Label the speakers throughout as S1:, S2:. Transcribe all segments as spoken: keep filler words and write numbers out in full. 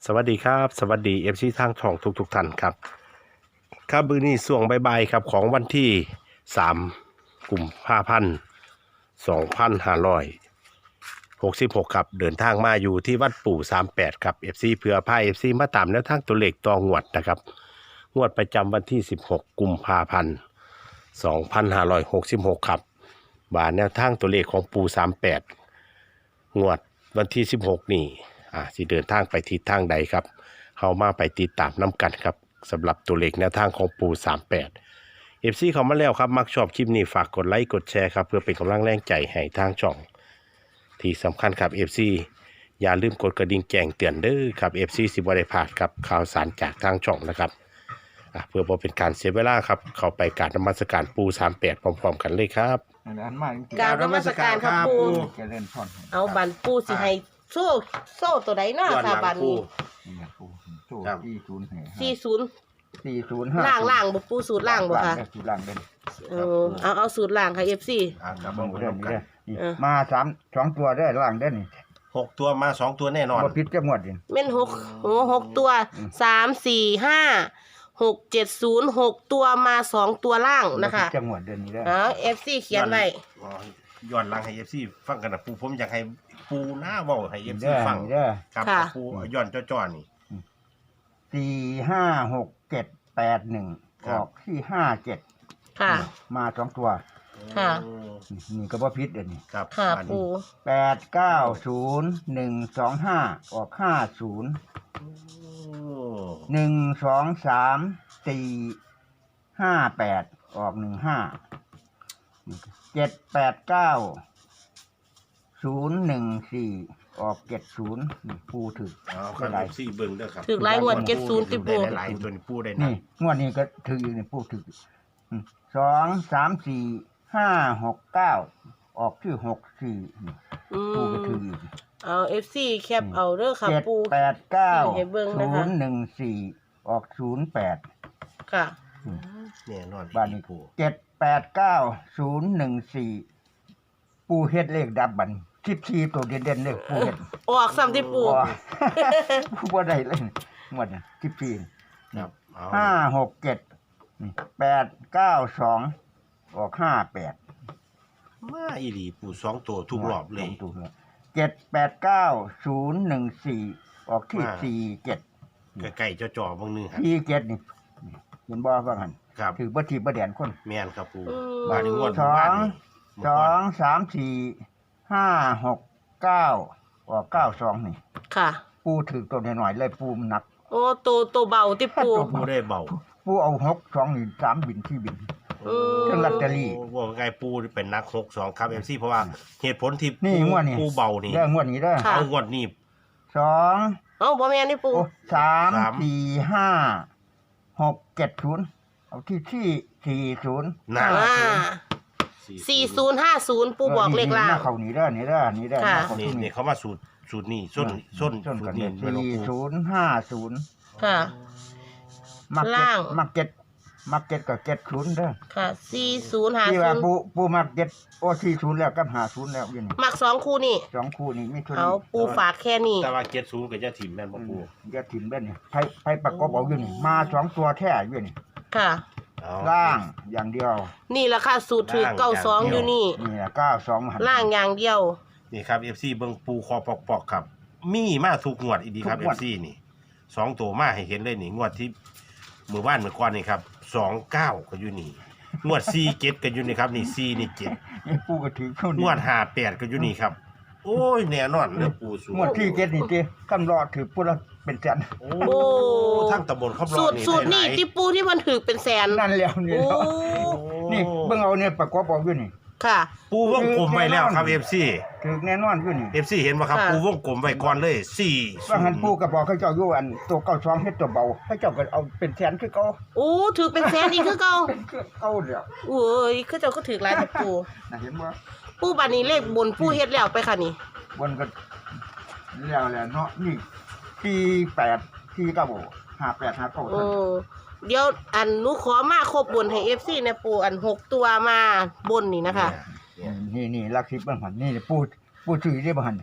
S1: สวัสดีครับสวัสดีเอฟซีทางช่องทุกทุกท่านครับครับมื้อนี้ช่วงบ่ายๆครับของวันที่สามกุมภาพันธ์สองพันห้าร้อยหกสิบหกครับเดินทางมาอยู่ที่วัดปู่สามแปดครับเอฟซีเพื่อพาเอฟซีมาตามแนวทางตัวเลขต่องวดนะครับงวดประจำวันที่สิบหกกุมภาพันธ์สองพันห้าร้อยหกสิบหกครับบาแนวทางตัวเลขของปู่สามแปดงวดวันที่สิบหกนี่อ่าสิเดินทางไปทิศทางใดครับเข้ามาไปติดตามน้ำกันครับสำหรับตัวเลขแนวทางของปูสามแปดเอฟซีเขามาแล้วครับมักชอบคลิปนี้ฝากกดไลค์กดแชร์ครับเพื่อเป็นกำลังแรงใจให้ทางช่องที่สำคัญครับเอฟซีอย่าลืมกดกระดิ่งแจ้งเตือนเด้อครับเอฟซีสิบวันได้พลาดครับข่าวสารจากทางช่องนะครับอ่ะเพื่อบ่เป็นการเสียเวลาครับเข้าไปกราบนมัสการปูสามแปดพร้อมๆกันเลยครับ
S2: อันนั้นมาจริง
S3: กราบนมัสการครับปู่
S2: ๆจะเล่นพ่อน
S3: เอาบันปูสิให้โซ่โซ่ตัวใดเนาะค่ะบันนี้
S2: นี่นะปูสู้
S1: ครับ
S2: สี่ศูนย์
S3: สี่ศูนย์
S2: สี่ศูนย์ห้า
S3: ล่างล่างบ่ปูสูตรล่างบ่คะ
S2: สูตรล่างเด่น
S3: เออเอาเอาสูตรล่างค่ะ เอฟ ซี
S1: อ่าค
S2: ค
S1: รั
S2: รั
S1: บบ ผม
S2: เด่น
S1: กัน
S2: นี่นี่
S3: เออ
S2: มาสามสองตัวได้ล่างเด่นนี่
S1: หกตัวมาสองตัวแน่นอน
S2: บ่พิษจะหมดดิ
S3: แม่นหกโอ้หกตัวสามสี่ห้าหกเจ็ดศูนย์หกตัวมาสองตัวล่างนะคะ
S2: บ่พิษจะหมดเด่นนี่ได้
S3: เอา เอฟ ซี เขียนไว้
S1: อ๋อย้อนหลังให้เอฟซีฟังกันนะปูผมอยากให้ปูหน้าเว้าให้เอฟซี
S2: เด้อ
S1: ฟัง
S2: นี่เด้อ
S1: ครับ
S3: ค่ะ
S1: ปูย้อนจ้อๆนี่
S2: สี่ห้าหกเจ็ดแปดหนึ่ง
S1: ค
S2: อ
S1: รับ
S2: อกที่ห้าเจ็ด
S3: ค่ะ
S2: มาสองตัว
S3: ค่ะ
S1: โอ้
S2: นี่ก็บ่พิษเด่นนี่
S1: ครับ
S3: ค่ะ
S1: อัน
S3: ปู
S1: นี้
S2: แปดเก้าศูนย์หนึ่งสองห้าออกห้าศูนย์
S1: โอ้
S2: หนึ่งสองสามสี่ห้าแปดออกหนึ่งห้าเจ็ดแปดเก้าศูนย์หนึ่งสี่ออกเจ็ดศูนย์ปูถึก
S1: เอาครับเอฟซีเบิ่งเด้อครับ
S3: ถึกหลายงวดเจ็ดศูนย์ติปู
S1: ได้หลายๆตัวนี่ปูได้นะ
S2: นี่งวดนี้ก็ถืออยู่นี่ปูถึกอืมสองสามสี่ห้าหกเก้าออกที่หกสี่นี่
S3: อื
S2: ปูก็ถือ
S3: ม
S2: อยู่
S3: เอา เอฟ ซี แคปเอาเด้อค่ะ
S2: เจ็ด
S3: ปู
S2: แปดเก้า
S3: ให้เบิ่งนะ
S2: ศู
S3: คะ
S2: นย์หนึ่งสี่ออกศูนย์แปด
S3: ค่ะ
S1: แน่นอน
S2: บ้านนี้
S1: ปู
S2: เจ็ดแปดเก้าศูนย์หนึ่งสี่ปูเฮ็ดเลขดับบันสิบสี่ตัวเด่นๆเลยปูเฮ็ด
S3: ออกซ้ำที่ปู
S2: อ๋อ ปูบ่ได้เลยหมดเนี่ยสิบสี่
S1: ครับเอา
S2: ห้าหกเจ็ดแปดเก้าสองออกห้าแปด
S1: มาอีหลีปูสองตัวทุกรอบเลย
S2: เจ็ดแปดเก้าศูนย์หนึ่งสี่ออกที่
S1: มา
S2: สี่เจ็ด
S1: ใกล้ๆจ่อๆบางนึงครับ
S2: สี่เจ็ดนี่เห็นบ่ว่าหัน
S1: ครับ
S2: ถือบ่ทีบ่แดนคน
S1: แม่นครับปู
S3: อืม
S1: บ้านนี้งวด
S2: สอง
S1: บ้านนี่
S2: สองสามสี่ห้าหกเก้าออกเก้าสองนี่
S3: ค่ะ
S2: ปูถือตัวหน่อยๆเลยปูมันหนัก
S3: โอ้ตัวตัวเบาที่ปู
S1: ปูได้เบา
S2: ปูเอาหกสองนี่สามบินที่บิน
S3: อืม
S2: เครื่องลอตเตอรี่
S1: ว่าไงปูเป็นนักหกสองครับเอฟซีเพราะว่าเหตุผลที่
S2: นี่
S1: ปู
S2: งวดนี่
S1: ปูเบานี่
S2: เรื่องงวดนี้เด้อ
S3: ค่ะ
S1: เอางวดนี่
S2: สอง
S3: เอ้าบ่แม่นนี่ปู
S2: โอ้สาม
S1: สาม
S2: สี่ห้าหกเจ็ดศูนย์เอาที่ที่สี่ศูนย์
S1: หน้า
S3: อ่าสี่ศูนย์ห้าศูนย์ปูบอกเลขล่า
S2: ห
S3: ง
S2: น้าเขานี่เด้อนี่เด้อนี่เด้อ
S3: ค่ะ
S2: หน้าเขา
S1: นี่
S2: ที่
S1: นี่
S2: นี่
S1: เขามาสูตรสูตรนี่ส้นส้น
S2: ส้น
S1: สู
S2: กั
S1: ต
S2: น
S1: รนี่
S2: เนี่ย
S1: ไม่ลง
S2: สี่
S1: ปู
S2: ศูนย์ห้าศูนย์
S3: ค่ะ
S2: มักเก็ต
S3: ล่าง
S2: มักเก็ตมักเก็ตกับเจ็ดศูนย์เด้อ
S3: ค่ะสี่ศูนย์ห้า
S2: ที่
S3: ศู
S2: ว่าน
S3: ย์
S2: ปูปูมักเก็ตโอ้สี่ศูนย์แล้วกับห้าศูนย์แล้วอยังนี่
S3: มักสองคู่นี่
S2: สองคู่นี่มีทุน
S3: เอาปูฝากแค่นี้
S1: แต่ว่าเจ็ดศูนย์กับยาถิ่มแม่นบ่ปู
S2: อย่าถิ่มเบ้นนี่ไพ่ไพ่ประกบเอาอยู่นี่มาสองตัวแท้อยู่นี่
S3: ค่ะ
S1: เอา
S2: ล่างอย่างเดียว
S3: นี่แหละค่ะสูตรถือเก้าสองอยู่นี่
S2: นี่เก้าสองหัน
S3: ล่างอย่างเดียว
S1: นี่ครับเอฟซีเบิ่งปูคอปอกๆครับ มีมาทุกงวดอีดีครับเอฟซีนี่สองตัวมาให้เห็นเลยนี่งวดที่มือบ้านเมื่อก่อนนี่ครับสองเก้าก็อยู่นี่งวดสี่เจ็ดก็อยู่นี่ครับนี่สี่นี่เจ็ด
S2: นี่ปูก็ถือเข้าง
S1: วดห้าแปดก็อยู่นี่ครับ โอ้ยแน่นอนเรื่องปูสูง
S2: งวดที่เจ็ดนี่เจ้คำรอถือปูละเป็นแสน
S1: โอ้
S3: โอ้
S1: ทั้งตำบลขับร
S3: สู
S1: อ
S3: ตร
S1: นี่
S3: สูตรนี่
S1: หลายๆ
S3: ที่ปูที่มันถือเป็นแสน
S2: นั่นแล้วนี่
S3: โอ้
S2: แล้วนี่เบิ่งเอาเนี่ยประกอบเอาอยู่นี่
S3: ค่ะ
S1: ปูวงกลมไว้แล้วครับเอฟซี
S2: ถือแน่นอนอยู่นี่
S1: เอฟซีเห็นไหมครับ
S3: ค่ะ
S1: ปูวงกลมไว้ก่อนเลยสี่
S2: ว่าหันปูก็บอกเขาเจ้าอยู่อันตัวเก้าสองเฮ็ดตัวเบาเขาเจ้าก็เอาเป็นแสนคือเก่า
S3: โอ้ถือเป็นแสนอีกคือเก่า
S2: เป็นคือเก่าแล้ว
S3: โอ้ยคือเจ้าก็ถือหลายแต่ปู
S2: น่ะเห็นบ่
S3: ปูบัดนี้เลขบนปูเฮ็ดแล้วไปค่ะนี่
S2: บนก็แล้วแหละเนาะนี่สี่แปดสี่เก้าห้าแปดห้าเก้า
S3: โอ้เดี๋ยวอันหนูขอมาครบบนให้ เอฟ ซี นะปูอันหกตัวมาบนนี่นะคะ
S1: เนี่ย
S2: นี่นี่ลักสิบเบิ่งหันนี่ปูปูซื้อได้บ่หัน
S3: ค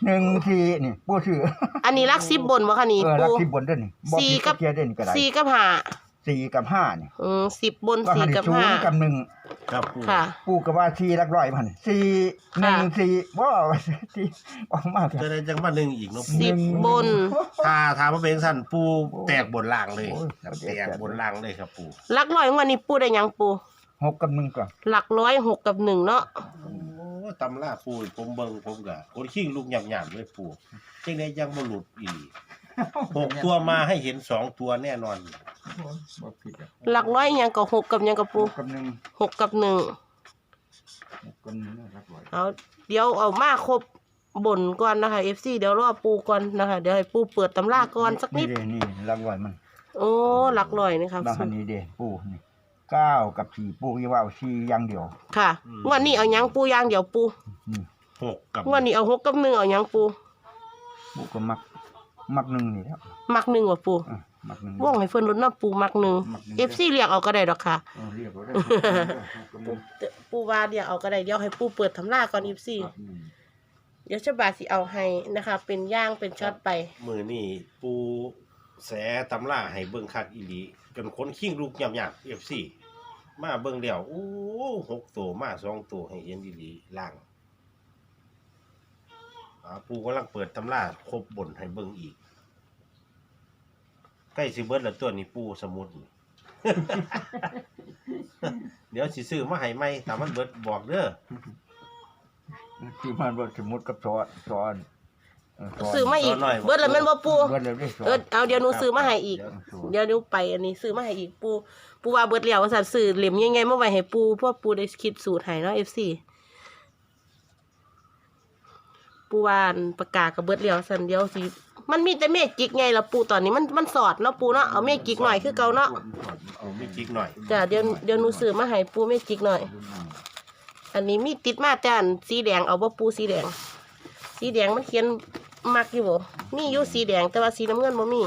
S2: หนึ่งสี่นี่ปูซื้อ
S3: อันนี้รักสิบบนบ่คะนี่
S2: เออรั
S3: ปู
S2: กสิบบนเด้อนี่บ่
S3: สี่
S2: ผิด
S3: กับ
S2: เทียเด้อนี่ก็ได้
S3: สี่กับห้า
S2: สี่กับห้านี่
S3: อืมสิบบน
S2: ว่า
S3: สี่
S2: หัน
S3: กับ
S2: ศู
S3: ห้าน
S2: ย์กับหนึ่ง
S1: ครับปู
S3: ค่ะ
S2: ปูก็ว่าสี่หลักร้อยมันสี่หนึ่ง
S3: ค่ะ
S2: สี่บ่ว่าสี่ออกมาเถ
S1: จะ
S2: อะ
S1: ได้จังมาหนึ่งอีกเนาะปู
S3: สิบบน
S1: ถ้าถามว่าเป็นสั้นปูแตกบนล่างเลย
S2: โอ้ย
S1: แตกบนล่างเลยครับปู
S3: หลักร้อยวันนี้ปูได้หยังปู
S2: หกกับหนึ่งก่อน
S3: หลักร้อยหกกับหนึ่งเนาะ
S1: โอ้ตำราปูผมเบิ่งผมก็คนขี้ลูกหยาบๆเลยปูจังไดยังบ่หลุดอีกหกตัวมาให้เห็นสองตัวแน่นอน
S2: บ่ผิดอะ
S3: หลักร้อยหยังกับหกกับหยังกับ
S2: ห
S3: ปู
S2: กกับหนึ่ง
S3: หกกับหนึ่ง
S2: หกกับหนึ่งหลักร้อย
S3: เอาเดี๋ยวเอามาครบบนก่อนนะคะ เอฟ ซี เดี๋ยวรอปูก่อนนะคะ เดี๋ยวให้ปูเปิดตำราก่อนสักนิด
S2: เด้นี่หลักร้อยมัน
S3: โอ้หลักร้อยนะครับ
S2: บางอันนี้เด้ปูนี่เก้ากับสี่ปูยี่ว่าเอาสี่อย่างเดียว
S3: ค่ะงวันนี้เอาหยังปูอย่างเดี๋ยวปู
S2: นี่
S1: หกกับ
S3: งวันนี้เอาหกกับหนึ่งเอาหยังปู
S2: ปูก็มักมักหนึ่งนี่แล้ว
S3: มักหนึ่งว่ะปู
S2: อ่ะมักหนึ่ง
S3: ว่องให้เพิ่นลดน้ำปูมักหนึ่ง
S2: มักหนึ่ง
S3: เอฟ ซี เรียกเอาก็ได้ดอกค่ะ
S2: เออเรียกว่าได้
S3: ปูปูว่าเดี๋ยวเอาก็ได้เดี๋ยวให้ปูเปิดตำราก่อนเอฟ ซี เดี๋ยวฉบาสิเอาให้นะคะ เป็นย่างเป็นช็อตไป
S1: มือนี่ปูแสตำราให้เบิ่งคักอีหลีจนคนขี้ลูกหยาบๆ เอฟ ซี มาเบิ่งแล้วโอ้หกตัวมาสองตัวให้เห็นอีหลีล่างอ่าปูกำลังเปิดตำราครบบนให้เบิ่งอีก ใกล้สิเบิดแล้วตัวนี้ปูสมุดนี่ เดี๋ยวสิซื้อมาให้ใหม่ถ้ามันเบิดบอกเด้อ
S2: ที่มันว่าสมมุติกับซ้อนซ้อนเซ้น
S3: ซื้อมาอีกเบิดแล้วแม่นบ่ปู
S2: เบิดแล้วได้ซ้อน
S3: เออเอาเดี๋ยวหนูซื้อมาให้อีก เดี๋ยวหนูไปอันนี้ซื้อมาให้อีกปูปูว่าเบิดแล้วว่าซั่นซื้อเหลี่ยมยังไงมาไว้ให้ปูเพราะปูได้คิดสูตรให้เนาะ เอฟ ซี ปูว่าอันประกาศกับเบิดแล้วซั่นเดียวสิมันมีแต่เมจิกไงล่ะปูตอนนี้มันมันสอดเนาะปูเนาะเอาเมจิกหน่อยคือเก่าเนาะ
S1: เอาไม่จิกหน่อย
S3: จ้ะเดี๋ยวเดี๋ยวหนูซื้อมาให้ปูเมจิกหน่อย อันนี้มีติดมาแต่อันสีแดงเอาบ่ปูสีแดง สีแดงมันเขียนมักอยู่บ่มีอยู่สีแดงแต่ว่าสีน้ำเงินบ่มี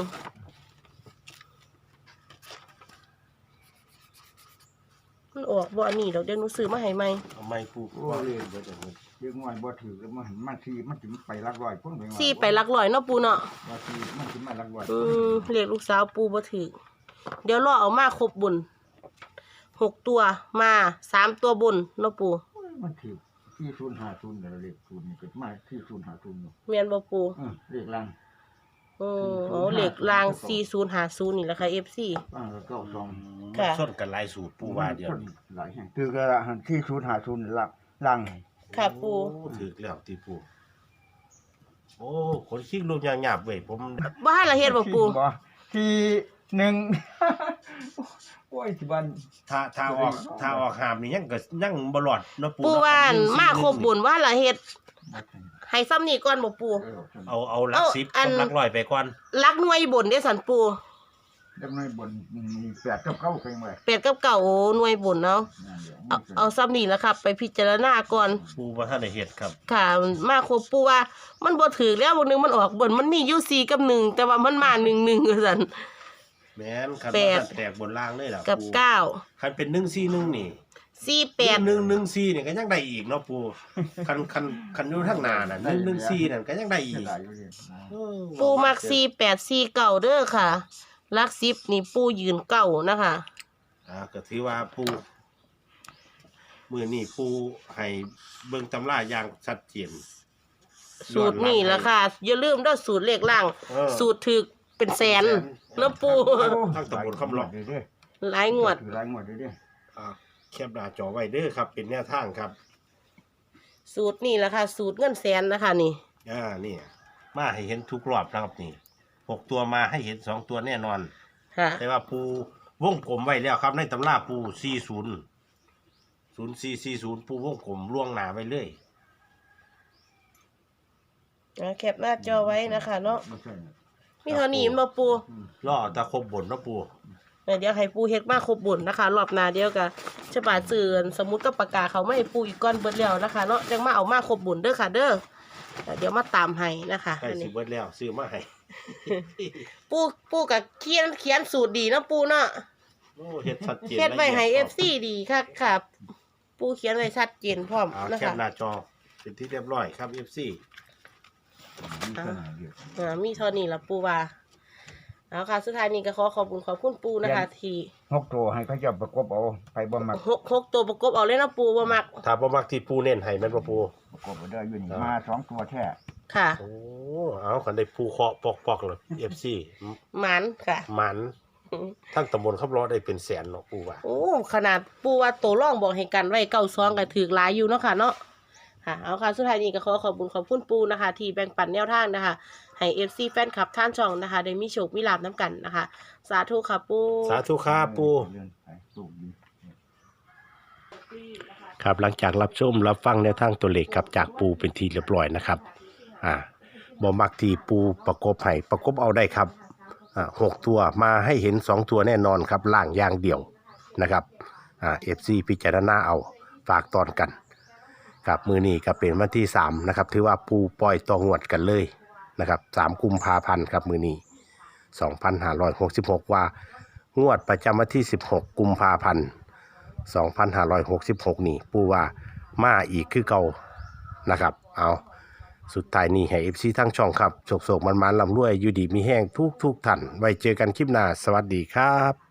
S3: มันออกบ่อันนี้ดอกเดี๋ยวหนูซื้อมาให้ใหม่
S1: เอาไม่ปู
S2: โอ้ยเบิดแล้วเรียกง่อยบ่ถือแล้วมันมันทีมันถึงไปหลักร้อยพุ่นไปว่า
S3: สี่ไปหลักร้อยเนาะปูเนาะ
S2: ว่าทีมันถึงมาหลักร้อย
S3: อืมเรียกลูกสาวปูบ่ถือเดี๋ยวรอเอามาครบบุญหกตัวมาสามตัวบนเนาะปู
S2: โอ้ยมันถือที่ศูนย์ห้าศูนย์เดี๋ยวเลขศูนย์นี่เกิดมาที่ศูนย์ห้าศูนย์อยู่
S3: แม่นบ่ปู
S2: เออเลขล่าง
S3: โอ้โหเลขรางสี่ศูนย์ห้าศูนย์นี่แหละค่ะ เอฟ ซี
S2: อ่าแล้วก็สอง
S3: ค่ะ
S1: ส้นกันหลายสูตรปูว่าเดียวนี้
S2: หลายแห่งคือกระหันที่ศูนย์ห้าศูนย์ล่างล่าง
S3: ค่ะปู
S1: โอ้ถึกแล้วตีปูโอ้คนขี้ลูกหยาบๆเว้ยผม
S3: บ้านละเฮ็ดบ่ปู
S2: บ่ที่หนึ่ง โอ้ยสิบัน
S1: ถ้าถ้าออกถ้าออกหามนี่ยังก็ยังบ่รอดเนาะปู
S3: ปู
S1: เนาะ
S3: ว่าน
S1: หนึ่งสี่
S3: มาครบบุญว่าละเฮ็ด
S2: บ่ถึง
S3: ให้ซ้ำนี่ก่อนบ่ปู
S2: เออ
S1: เอาเอาหลัก
S3: เอา
S1: สิบ
S3: อัน
S1: กับหลักร้อยไปก่อน
S3: รักหน่วยบนได้สันปู
S2: จังได๋บนมีแปดกับเก้าเพิ่นไว้
S3: เป็ดกับเก่าหน่วยบนเนาะ
S2: นั่นเดี๋ยว
S3: เอาเอาซ้ำนี่ละครับ ไปพิจารณาก่อน
S1: ปูบ่ทันได้เฮ็ดครับ
S3: ค่ะ มาครบปูว่า มันบ่ถือแล้วบางนึงมันออกบนมันมีอยู่สี่กับหนึ่งแต่ว่ามันมาหนึ่งหนึ่งว่าซั่น
S1: แม่นคัน
S3: แปด
S1: ว่าแตกบนล่างเลยล่ะ
S3: กับ
S1: ปู
S3: เก้า
S1: คันเป็นหนึ่งสี่หนึ่งนี่
S3: สี่แปด
S1: หนึ่งหนึ่งสี่นี่ก็ยังได้อีกเนาะปูคันคันคันอยู่ทางหน้าน่ะหนึ่งหนึ่งสี่นั่นก็ยังได้อี
S2: เสี
S1: ก
S2: ยดายอยู่ดินะ
S1: เออ
S3: ปูมักสี่แปดสี่เก่าเด้อค่ะลักสิบนี่ปูยืนเก่านะคะ
S1: อ่าก็ถือว่าปูมื้อนี้ปูให้เบิ่งตำราอย่างชัดเจน
S3: สูตรนี่แหละค่ะ อย่าลืมเด้อสูตรเลขล่าง
S1: เออ
S3: สูตรถึกเป็นแสนแล้วปู
S1: ทั้งตำบลคำหลอก
S2: เด้อ
S3: หลายงวด
S2: ถือหลายงวดเด้อ
S1: อ่าแคปหน้าจอไว้เด้อครับ เป็นแนวทางครับ
S3: สูตรนี่แหละค่ะ สูตรเงินแสนนะคะนี่
S1: อ่านี่มาให้เห็นทุกรอบนะครับนี่หกตัวมาให้เห็นสองตัวแน่นอน
S3: ค่ะ
S1: แต่ว่าปูวงกลมไว้แล้วครับ ในตำราปูสี่ศูนย์ศูนย์สี่สี่ศูนย์ปูวงกลมล่วงหนาไว้เลย
S3: อ่าแคปหน้าจอไว้นะคะเนาะ
S2: ไม่ใช่
S3: มีเท่านี้มาปู
S1: ล่อตะครบบนเนาะปู
S3: เดี๋ยวให้ปูเฮ็ดมาครบบุญนะคะ รอบหน้าเดียวกันฉบาเจือนสมมุติก็ประกาศเขาไม่ให้ปูอีกก้อนเบิดแล้วนะคะเนาะจังมาเอามาครบบุญเด้อค่ะ เด้อเดี๋ยวมาตามให้นะคะ
S1: ใกล้
S3: อัน
S1: สิ
S3: นี้
S1: เบิดแล้วซื้อมาให้
S3: ปูปูกับเขียนเขียนสูตรดีเนาะปูเนาะ
S1: โอ้เฮ็ดชัดเจน
S3: เฮ็ดไว้ให้
S1: ละ
S3: เอ
S1: อีย
S3: ฟซีดีค่ะค่ะ ปูเขียนไว้ชัดเจนพร้อม
S1: อ่า
S3: นะ
S1: แค
S3: คะ
S1: ปหน้าจอเป็นที่เรียบร้อยครับ เอฟ ซี
S2: มีเท่าไหร่เดียว
S3: อ่ามีเท่านี้ละปูว่าเอาค่ะสุดท้ายนี้ก็ขอขอบคุณขอบคุณปูนะคะ ที่
S2: หกตัวให้เขาเจะประกบเอาไปบ่มัก
S3: หกหกตัวประกบเอาเลยนะปูว่ามัก
S1: ถ้าบ่มักที่ปูเน้นให้แม่นบ่ปู
S2: ประกบเอาได้อยู่นี่
S1: ครับ
S2: มาสองตัวแท้
S3: ค่ะ
S1: โอ้เอาคันได้ปูเคาะปอกๆเลย เอฟ ซี
S3: หมันค่ะ
S1: หมันทั้งตำบลขับล้อได้เป็นแสนเนาะปูว่า
S3: โอ้ขนาดปูว่าตัวร่องบอกให้กันไว้เก้าซองก็ถือหลายอยู่เนาะค่ะเนาะค่ะเอาค่ะสุดท้ายนี้ก็ขอขอบคุณขอบคุณปูนะคะ ที่แบ่งปันแนวทางนะคะให้เอฟซีแฟนคลับท่านช่องนะคะได้มีโชคมีลาบน้ำกันนะคะ สาธุค่ะปู
S1: สาธุครับปู
S2: เรื่องไปสูบดี
S1: ครับหลังจากรับชมรับฟังแนวทางตัวเลขครับจากปูเป็นทีเรียบร้อยนะครับอ่าบ่มักที่ปูประกบให้ประกบเอาได้ครับอ่าหกตัวมาให้เห็นสองตัวแน่นอนครับล่างอย่างเดียวนะครับอ่าเอฟซีพิจารณาเอาฝากตอนกันครับมือนี้ก็เป็นวันที่สามนะครับถือว่าปูปล่อยต่องวดกันเลยนะครับสามกุมภาพันธ์ครับมือนี้สองพันห้าร้อยหกสิบหกว่างวดประจำวันที่สิบหกกุมภาพันธ์สองพันห้าร้อยหกสิบหกนี่ปูว่ามาอีกคือเก่านะครับเอาสุดท้ายนี้ให้เอฟซีทั้งช่องครับโศกๆมันๆลำรวยอยู่ดีมีแห้งทุกทุกๆท่านไว้เจอกันคลิปหน้าสวัสดีครับ